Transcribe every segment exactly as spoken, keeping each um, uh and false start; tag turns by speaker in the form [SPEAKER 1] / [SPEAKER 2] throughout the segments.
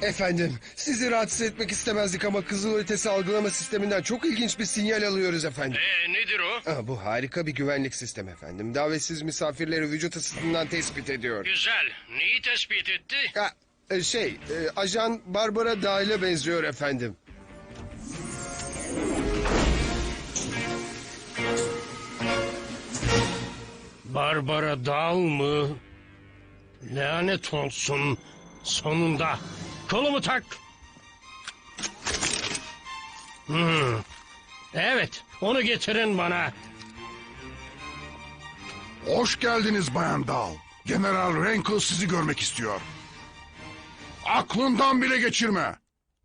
[SPEAKER 1] Efendim, sizi rahatsız etmek istemezdik ama kızılötesi algılama sisteminden çok ilginç bir sinyal alıyoruz efendim.
[SPEAKER 2] Ee, nedir o?
[SPEAKER 1] Aa, bu harika bir güvenlik sistemi efendim. Davetsiz misafirleri vücut ısısından tespit ediyor.
[SPEAKER 2] Güzel. Neyi tespit etti?
[SPEAKER 1] Ha, e, şey, e, ajan Barbara Dağ'la benziyor efendim.
[SPEAKER 2] Barbara Dal mı? Lanet olsun. Sonunda. Kolumu tak. Hmm. Evet, onu getirin bana.
[SPEAKER 3] Hoş geldiniz Bayan Dal. General Rankle sizi görmek istiyor. Aklından bile geçirme.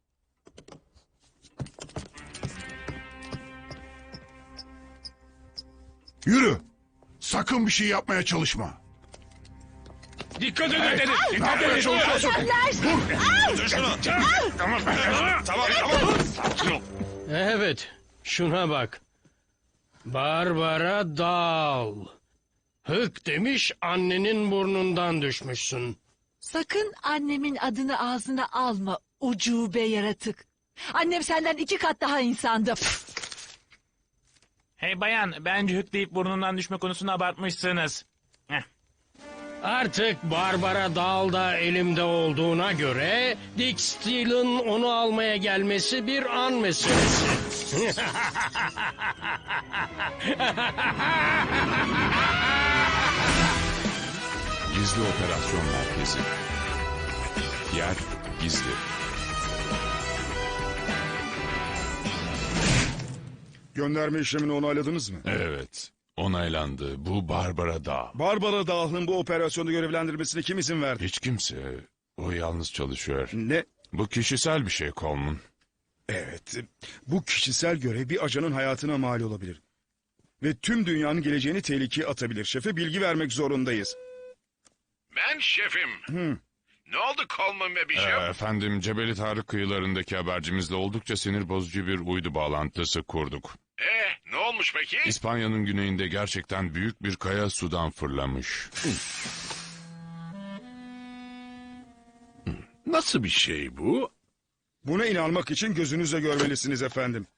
[SPEAKER 3] Yürü. Sakın bir şey yapmaya çalışma.
[SPEAKER 2] Dikkat edin.
[SPEAKER 3] Hey, ne yapmaya çalışıyorsun?
[SPEAKER 2] Dur şunu. Tamam, tamam, tamam. Sakin ol. Evet, şuna bak. Barbara Dal. Hık demiş, annenin burnundan düşmüşsün.
[SPEAKER 4] Sakın annemin adını ağzına alma ucube yaratık. Annem senden iki kat daha insandı.
[SPEAKER 5] Hey bayan, bence hükleyip burnundan düşme konusunu abartmışsınız. Heh.
[SPEAKER 2] Artık Barbara Dal da elimde olduğuna göre Dick Steele'ın onu almaya gelmesi bir an meselesi.
[SPEAKER 6] Gizli Operasyon Merkezi. Yer gizli.
[SPEAKER 3] Gönderme işlemini onayladınız mı?
[SPEAKER 6] Evet, onaylandı. Bu Barbara Dağ.
[SPEAKER 7] Barbara Dağ'ın bu operasyonda görevlendirmesine kim izin verdi?
[SPEAKER 6] Hiç kimse. O yalnız çalışıyor.
[SPEAKER 7] Ne?
[SPEAKER 6] Bu kişisel bir şey Coleman.
[SPEAKER 7] Evet. Bu kişisel görev bir ajanın hayatına mal olabilir. Ve tüm dünyanın geleceğini tehlikeye atabilir. Şefe bilgi vermek zorundayız.
[SPEAKER 8] Ben şefim.
[SPEAKER 7] Hı.
[SPEAKER 8] Ne oldu Coleman ve
[SPEAKER 6] Ee,
[SPEAKER 8] Bishop?
[SPEAKER 6] efendim, Cebeli Tarık kıyılarındaki habercimizle oldukça sinir bozucu bir uydu bağlantısı kurduk.
[SPEAKER 8] Ee, ne olmuş peki?
[SPEAKER 6] İspanya'nın güneyinde gerçekten büyük bir kaya sudan fırlamış.
[SPEAKER 8] Nasıl bir şey bu?
[SPEAKER 7] Buna inanmak için gözünüzle görmelisiniz efendim.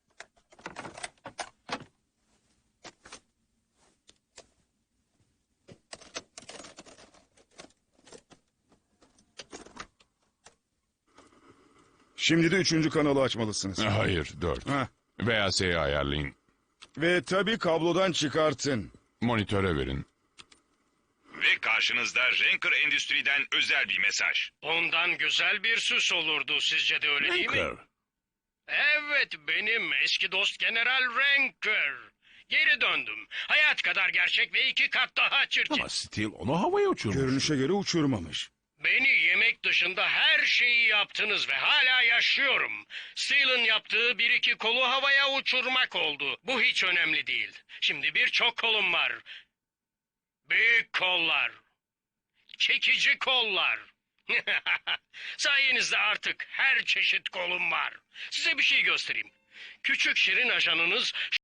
[SPEAKER 7] Şimdi de üçüncü kanalı açmalısınız.
[SPEAKER 6] Hayır, dört.
[SPEAKER 7] Heh.
[SPEAKER 6] Veya S'yi ayarlayın.
[SPEAKER 7] Ve tabii kablodan çıkartın.
[SPEAKER 6] Monitöre verin.
[SPEAKER 8] Ve karşınızda Ranker Endüstri'den özel bir mesaj.
[SPEAKER 2] Ondan güzel bir süs olurdu, sizce de öyle değil mi? Evet, benim eski dost General Ranker. Geri döndüm. Hayat kadar gerçek ve iki kat daha çirkin.
[SPEAKER 8] Steel onu havaya uçurmuş.
[SPEAKER 7] Görünüşe göre uçurmamış.
[SPEAKER 2] Beni yemek dışında her şeyi yaptınız ve hala yaşıyorum. Steele'ın yaptığı bir iki kolu havaya uçurmak oldu. Bu hiç önemli değil. Şimdi birçok kolum var. Büyük kollar. Çekici kollar. Sayenizde artık her çeşit kolum var. Size bir şey göstereyim. Küçük şirin ajanınız